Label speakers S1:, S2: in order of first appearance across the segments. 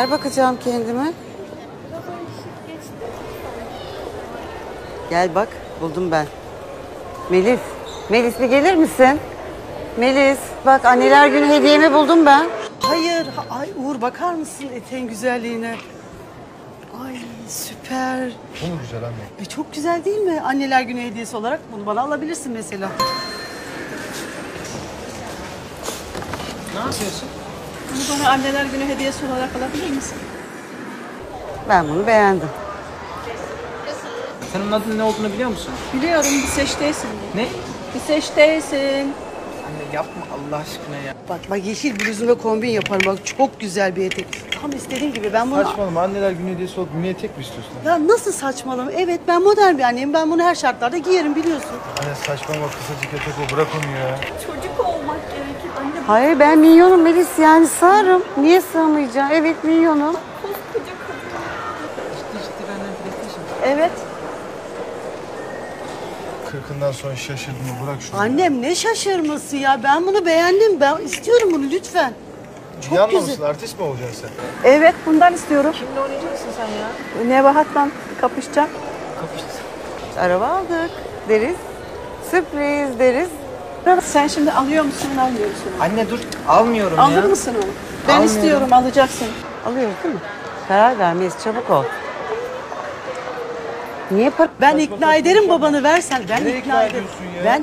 S1: yer bakacağım kendime. Gel bak, buldum ben. Melis, Melis bir gelir misin? Melis, bak anneler günü hediyemi buldum ben.
S2: Hayır, ay Uğur bakar mısın eteğin güzelliğine? Ay süper.
S3: Bu mu güzel anne?
S2: Çok güzel değil mi? Anneler günü hediyesi olarak bunu bana alabilirsin mesela.
S4: Ne yapıyorsun?
S5: Bunu bana anneler günü hediyesi olarak alabilir misin?
S1: Ben bunu beğendim.
S4: Sen onun adının ne olduğunu biliyor musun?
S5: Biliyorum bir seçteysin diye.
S4: Ne?
S5: Bir seçteysin.
S4: Anne yapma Allah aşkına ya.
S2: Bak yeşil bluzuna kombin yaparım. Bak çok güzel bir etek. Tam istediğim gibi ben bunu...
S3: Saçmalama, anneler günü hediyesi olup niye tek mi istiyorsun?
S2: Ya nasıl saçmalama? Evet ben modern bir anneyim. Ben bunu her şartlarda giyerim biliyorsun.
S3: Anne saçmalama, kısacık etek o, bırak onu ya.
S5: Çocuk olmak gerekir. Anne
S1: Hayır ben minyonum Melis, yani sığarım. Niye sığmayacağım? Evet minyonum.
S4: Ciddi benden PlayStation.
S5: evet.
S3: Kırkından sonra şaşırdım mı, bırak şunu.
S2: Annem ne şaşırması ya. Ben bunu beğendim. Ben istiyorum bunu lütfen. Çok
S3: Yanma
S2: güzel.
S3: mısın, artist mi olacaksın sen?
S5: Evet bundan istiyorum.
S4: Kimle oynayacaksın sen ya?
S5: Nebahat'la kapışacağım.
S4: Kapıştık.
S1: Araba aldık deriz. Sürpriz deriz.
S5: Sen şimdi alıyor musun almıyor musun?
S4: Anne dur almıyorum
S5: Alır
S4: ya.
S5: mısın onu? Ben
S4: Almıyorum.
S5: istiyorum alacaksın.
S1: Alıyoruz değil mi? Karar ver Melis, çabuk ol. Niye para...
S2: Ben ikna ederim babanı versen. Ben
S3: Nereye
S2: ikna
S3: ikna
S2: ederim.
S3: ediyorsun ya?
S2: Ben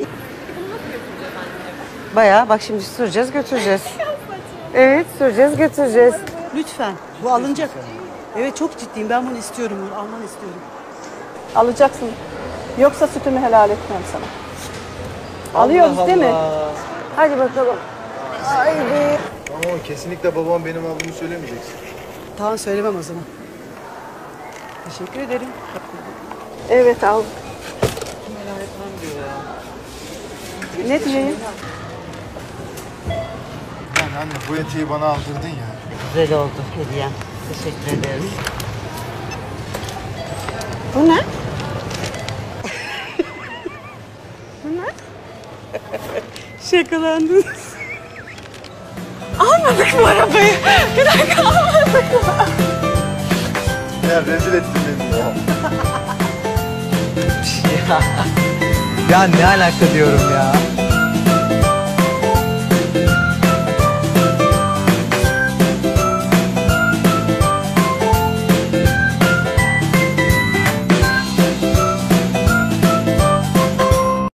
S1: Bayağı bak şimdi süreceğiz götüreceğiz. Evet süreceğiz götüreceğiz.
S2: lütfen. Bu alınacak. Evet çok ciddiyim. Ben bunu istiyorum. Bunu almanı istiyorum.
S5: Alacaksın. Yoksa sütümü helal etmem sana. Alıyoruz değil mi?
S1: Hadi bakalım. Haydi.
S3: Ama kesinlikle babam benim aldığımı söylemeyeceksin.
S2: Tamam söylemem o zaman. Teşekkür ederim.
S5: Evet al.
S4: Helal etmem diyor ya.
S5: Ne diyeyim?
S3: Yani anne bu eteği bana aldırdın ya.
S1: Güzel oldu hediyem. Teşekkür ederiz.
S5: Bu ne?
S2: Şakalandınız.
S5: Almadık mı arabayı? Bir dakika almadık mı?
S3: Ya rezil ettin beni ya.
S4: Ya ne alaka diyorum ya.